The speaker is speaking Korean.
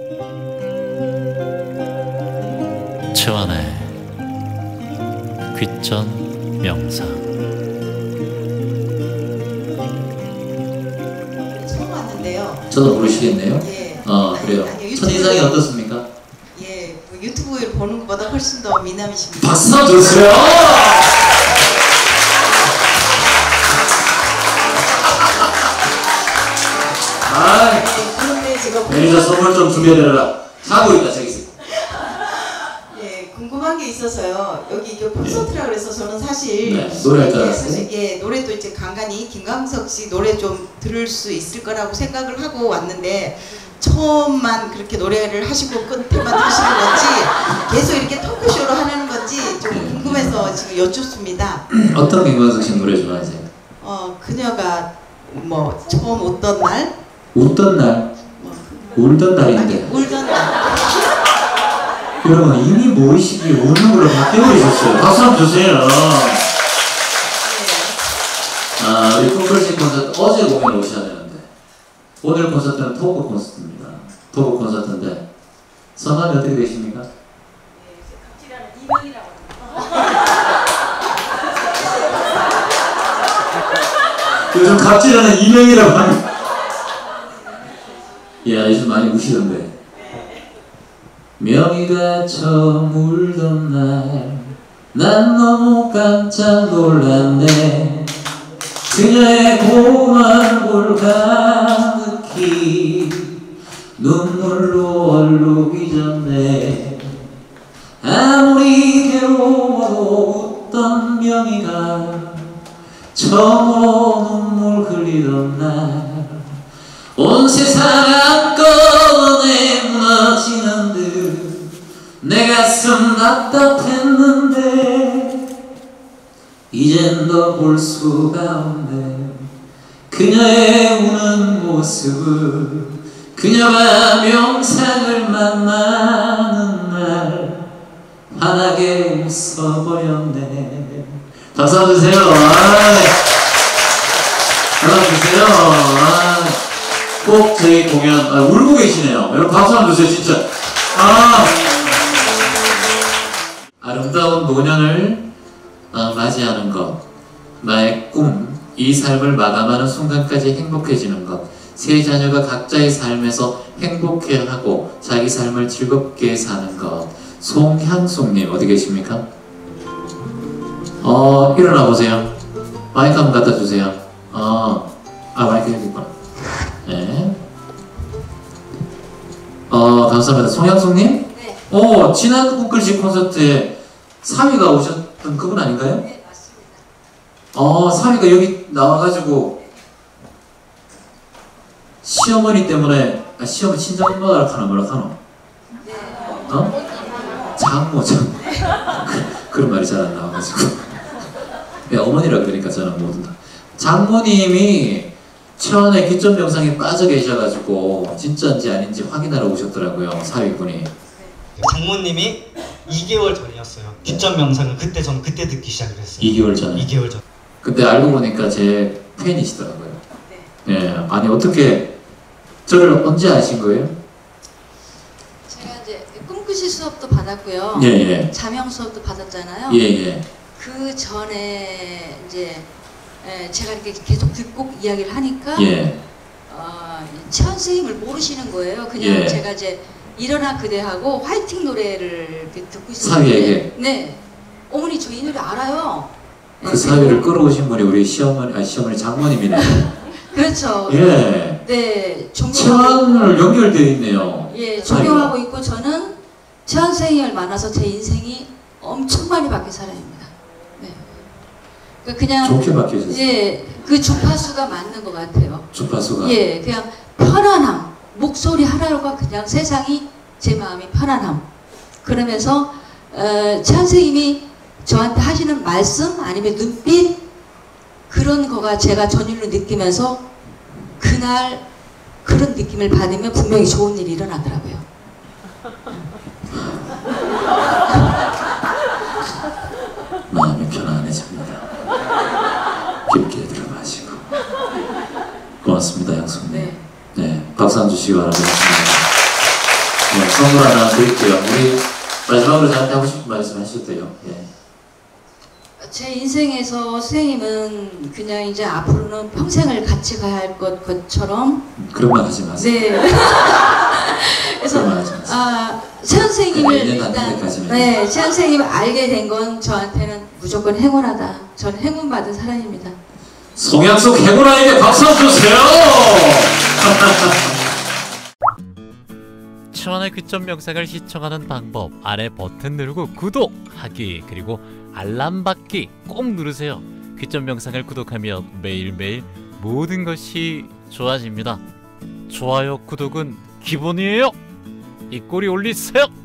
최완의 귀전 명상. 처음 왔는데요. 저도 모르시겠네요. 예. 그래요. 아니, 첫인상이 어떻습니까? 예, 뭐 유튜브를 보는 것보다 훨씬 더 미남이십니다. 박수 한번 주세요. 아, 그런데 제가 매니저 선물 좀 준비해드려라. 자고 있다 저기 있어. 예, 궁금한 게 있어서요. 여기 이게 콘서트라 그래서 저는 사실 네, 노래할 줄 알았어요. 예, 노래도 이제 간간히 김광석 씨 노래 좀 들을 수 있을 거라고 생각을 하고 왔는데 처음만 그렇게 노래를 하시고 끝에만 하시는 건지 계속 이렇게 토크쇼로 하는 건지 좀 궁금해서 지금 여쭙습니다. 어떤 김광석 씨 노래 좋아하세요? 그녀가 뭐 처음 웃던 날, 웃던 날, 울던 날인데. 울던 날. 여러분 이미 모의식이 우는 걸로 바뀌어버리셨어요. 박수 한번 주세요. 우리 콩글씨 콘서트 어제 공연 오셔야 되는데 오늘 콘서트는 토크 콘서트입니다. 토크 콘서트인데 성함이 어떻게 되십니까? 갑질하는 이명이라고 합니다. 요즘 갑질하는 이명이라고 합니다. 야, 요즘 많이 우시던데. 명희가 처음 울던 날 난 너무 깜짝 놀랐네. 그녀의 고운 얼굴 가득히 눈물로 얼룩이 졌네. 아무리 괴로워도 웃던 명희가 처음으로 눈물 흘리던 날 온 세상 한꺼번에 무너지는 듯 내 가슴 답답했는데 이젠 더 볼 수가 없네. 그녀의 우는 모습을 그녀가 명상을 만나는 날 환하게 웃어버렸네. 박수 한번 주세요. 박수 한번 주세요. 꼭 저희 공연 울고 계시네요. 여러분 박수 한번 주세요. 진짜 아름다운 노년을 맞이하는 것, 나의 꿈, 이 삶을 마감하는 순간까지 행복해지는 것, 세 자녀가 각자의 삶에서 행복해하고 자기 삶을 즐겁게 사는 것. 송향숙님 어디 계십니까? 일어나 보세요. 마이크 한번 갖다 주세요. 마이크 여기 있구나. 네. 감사합니다. 송향숙님? 네. 지난 콩글씨 콘서트에 3위가 오셨던 그분 아닌가요? 네, 맞습니다. 3위가 여기 나와가지고 시어머니 때문에 시어머니 친정엄마라 하나 뭐라 하노? 네. 장모 그런 말이 잘 안 나와가지고 네, 어머니라 그러니까 저는 모든 다 장모님이 최완의 귀전 명상에 빠져 계셔가지고 진짜인지 아닌지 확인하러 오셨더라고요. 사위분이. 장모님이 2개월 전이었어요. 귀전 명상을 저는 그때 듣기 시작을 했어요. 2개월 전에? 2개월 전. 그때 알고 보니까 제 팬이시더라고요. 네. 네. 아니 어떻게 저를 언제 아신 거예요? 제가 이제 꿈꾸시 수업도 받았고요. 예. 자명 수업도 받았잖아요. 예. 그 전에 이제 제가 이렇게 계속 듣고 이야기를 하니까 최완 선생님을 모르시는 거예요. 그냥 제가 이제 일어나 그대하고 화이팅 노래를 이렇게 듣고 있었는데 사위에게? 네. 어머니 저 이 노래 알아요. 그 사위를 끌어오신 분이 우리 시어머니 장모님이네요. 그렇죠. 예. 네. 최완을 연결되어 있네요. 예, 존경하고 있고 저는 최완 선생님을 만나서 제 인생이 엄청 많이 바뀐 사람입니다. 네. 그냥 좋게 바뀌셨어요. 예, 그 주파수가 맞는 것 같아요. 주파수가. 예, 그냥 편안함, 목소리 하나로가 그냥 세상이 제 마음이 편안함. 그러면서 최완 선생님이 저한테 하시는 말씀 아니면 눈빛 그런 거가 제가 전율로 느끼면서 그날 그런 느낌을 받으면 분명히 좋은 일이 일어나더라고요. 마음이 편안해집니다. 깊게 들어마시고. 고맙습니다, 양손님. 네, 박수 한번 주시기 바랍니다. 네, 선물 하나 드릴게요. 우리 마지막으로 저한테 하고 싶은 말씀 하셔도 돼요. 예. 제 인생에서 선생님은 그냥 이제 앞으로는 평생을 같이 가야 할 것처럼 그런 말 하지 마세요. 네. 그래서 그런 말 하지 마세요. 최 선생님을 네, 1년 안 일단 되기까지는. 네, 최 선생님을 알게 된 건 저한테는 무조건 행운하다. 전 행운 받은 사람입니다. 송양숙 해군아에게 박수 한번 주세요. 천안의 귀점 영상을 시청하는 방법 아래 버튼 누르고 구독하기 그리고 알람 받기 꼭 누르세요. 귀점 영상을 구독하면 매일매일 모든 것이 좋아집니다. 좋아요 구독은 기본이에요. 이 꼬리 올리세요.